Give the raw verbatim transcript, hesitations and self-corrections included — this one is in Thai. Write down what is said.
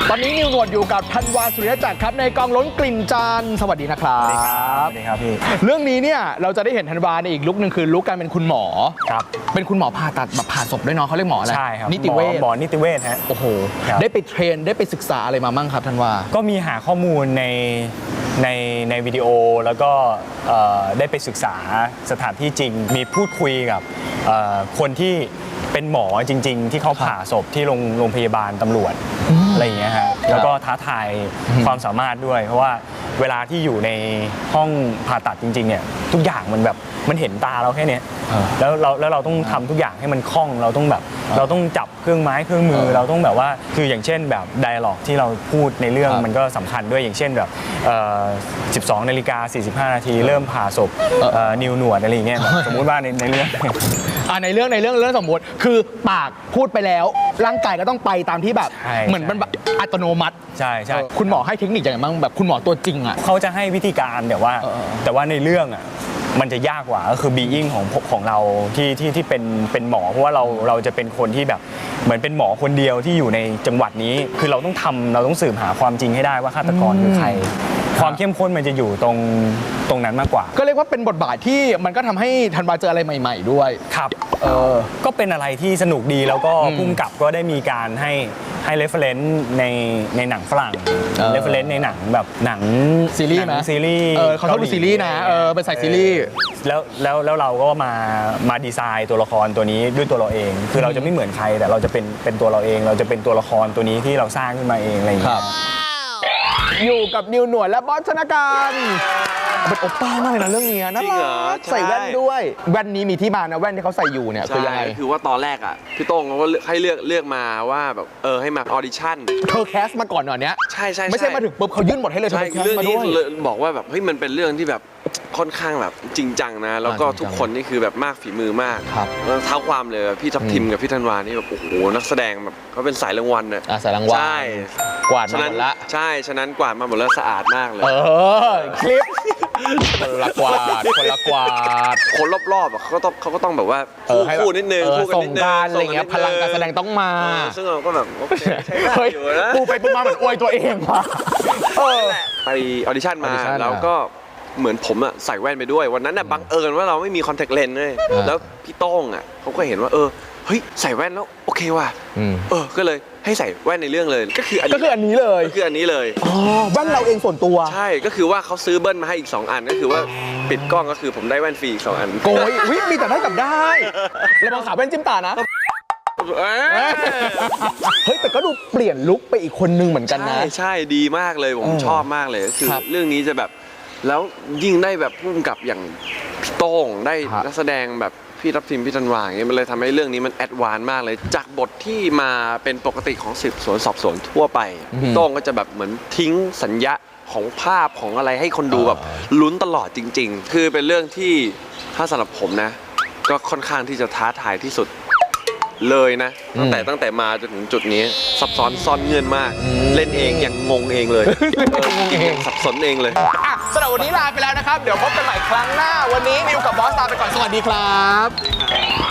ตอนนี้นิวหนวดอยู่กับธันวาสุริยจักรครับในกองล้นกลิ่นจานสวัสดีนะครับสวัสดีครับพี่เรื่องนี้เนี่ยเราจะได้เห็นธันวาในอีกลุคนึงคือลุคการเป็นคุณหมอครับเป็นคุณหมอผ่าตัดแบบผ่าศพด้วยเนาะเขาเรียกหมออะไรใช่ครับนิติเวชหมอนิติเวชฮะโอ้โหได้ไปเทรนได้ไปศึกษาอะไรมามั่งครับธันวาก็มีหาข้อมูลในในในวิดีโอแล้วก็ได้ไปศึกษาสถานที่จริงมีพูดคุยกับคนที่เป็นหมอจริงๆที่เขาผ่าศพที่โรงโรงพยาบาลตำรวจอะไรอย่างเงี้ยฮะแล้วก็ท้าทายความสามารถด้วยเพราะว่าเวลาที่อยู่ในห้องผ่าตัดจริงๆเนี่ยทุกอย่างมันแบบมันเห็นตาเราแค่นี้แล้วเราแล้วเราต้องทำทุกอย่างให้มันคล่องเราต้องแบบเราต้องจับเครื่องไม้เครื่องมือเราต้องแบบว่าคืออย่างเช่นแบบไดอะล็อกที่เราพูดในเรื่องมันก็สำคัญด้วยอย่างเช่นแบบสิบสองนาฬิกาสี่สิบห้านาทีเริ่มผ่าศพนิวหนวดอะไรอย่างเงี้ยสมมุติว่าในในเรื่องในเรื่องในเรื่องเรื่องสมมติคือปากพูดไปแล้วร่างกายก็ต้องไปตามที่แบบเหมือนมันแบบอัตโนมัติใช่ใช่คุณหมอให้เทคนิคอย่างไรบ้างแบบคุณหมอตัวจริงอ่ะเขาจะให้วิธีการแต่ว่าแต่ว่าในเรื่องอ่ะมันจะยากกว่าก็คือบีอิงของของเราที่ที่ที่เป็นเป็นหมอเพราะว่าเราเราจะเป็นคนที่แบบเหมือนเป็นหมอคนเดียวที่อยู่ในจังหวัดนี้คือเราต้องทำเราต้องสืบหาความจริงให้ได้ว่าฆาตกรคือใครความเข้มข้นมันจะอยู่ตรงตรงนั้นมากกว่าก็เรียกว่าเป็นบทบาทที่มันก็ทำให้ธันวาเจออะไรใหม่ๆด้วยครับเออก็เป็นอะไรที่สนุกดีแล้วก็พุ่งกับก็ได้มีการให้ให้เรฟเฟรนซ์ในในหนังฝรั่งเรฟเฟรนซ์ในหนังแบบหนังซีรีส์ไหมซีรีส์เออเขาชอบดูซีรีส์นะเออเป็นสายซีรีส์แล้วแล้วแล้วเราก็มามาดีไซน์ตัวละครตัวนี้ด้วยตัวเราเองคือเราจะไม่เหมือนใครแต่เราจะเป็นเป็นตัวเราเองเราจะเป็นตัวละครตัวนี้ที่เราสร้างขึ้นมาเองอะไรอย่างเงี้ยอยู่กับนิวหนวดและบอสชนการเป็นโอป้ามากเลยนะเรื่องนี้นะใส่แว่นด้วยแว่นนี้มีที่มานะแว่นที่เขาใส่อยู่เนี่ยคือยังไงคือว่าตอนแรกอ่ะพี่โต้งเขาให้เลือกเลือกมาว่าแบบเออให้มาออดิชั่นเธอแคสมาก่อนหน่อยเนี้ยใช่ใช่ไม่ใช่มาถึงปุ๊บเขายื่นหมดให้เลยใช่เรื่องนี้บอกว่าแบบเฮ้ยมันเป็นเรื่องที่แบบค่อนข้างแบบจริงจังนะแล้วก็ทุกคนนี่คือแบบมากฝีมือมากเท้าความเลยพี่ทัพทิมกับพี่ธันวานี่แบบโอ้โหนักแสดงแบบเขาเป็นสายรางวัลเนี่ยสายรางวัลใช่กวาดมาหมดละใช่ฉะนั้นกวาดมาหมดแล้วสะอาดมากเลยเออคลิปคนละกวาดคนละกวาดคนรอบๆเขาก็ต้องเขาก็ต้องแบบว่าคู่นิดนึงคู่กันนิดนึงอะไรเงี้ยพลังการแสดงต้องมาซึ่งเราก็แบบโอเคใช่ได้อยู่นะปูไปปูมาเหมือนอวยตัวเองว่ะไปออดิชั่นมาแล้วก็เหมือนผมอะใส่แว่นไปด้วยวันนั้นอะบังเอิญว่าเราไม่มีคอนแทคเลนส์เลยแล้วพี่โต้งอะเขาก็เห็นว่าเออเฮ้ยใส่แว่นแล้วโอเคว่ะเออก็เลยให้ใส่แว่นในเรื่องเลยก็คืออันนี้ก็คืออันนี้เลยก็คืออันนี้เลยอ๋อแว่นเราเองส่วนตัวใช่ก็คือว่าเขาซื้อเบิ้ลมาให้อีกสองอันก็คือว่าปิดกล้องก็คือผมได้แว่นฟรีอีกสองอันโกยวิมีแต่ได้กับได้แล้วมองขาแว่นจิ้มตานะเฮ้ยแต่ก็ดูเปลี่ยนลุคไปอีกคนนึงเหมือนกันนะใช่ใช่ดีมากเลยผมชอบมากเลยก็คือเรื่องนี้จะแบบแล้วยิ่งได้แบบพุ่มกับอย่างพี่โต้งได้นักแสดงแบบพี่ทัพทิมพี่ธันวาอย่างเงี้ยมันเลยทำให้เรื่องนี้มันแอดวานซ์มากเลยจากบทที่มาเป็นปกติของสืบสวนสอบสวนทั่วไปพี่โต้งก็จะแบบเหมือนทิ้งสัญญาของภาพของอะไรให้คนดูแบบลุ้นตลอดจริงๆคือเป็นเรื่องที่ถ้าสำหรับผมนะก็ค่อนข้างที่จะท้าทายที่สุดเลยนะตั้งแต่ตั้งแต่มาจนถึงจุดนี้ซับซ้อนซ่อนเงื่อนมากเล่นเองยังงงเองเลยสับสนเองเลยสำหรับวันนี้ลาไปแล้วนะครับเดี๋ยวพบกันใหม่ครั้งหน้าวันนี้นิวกับบอสลาไปก่อนสวัสดีครับ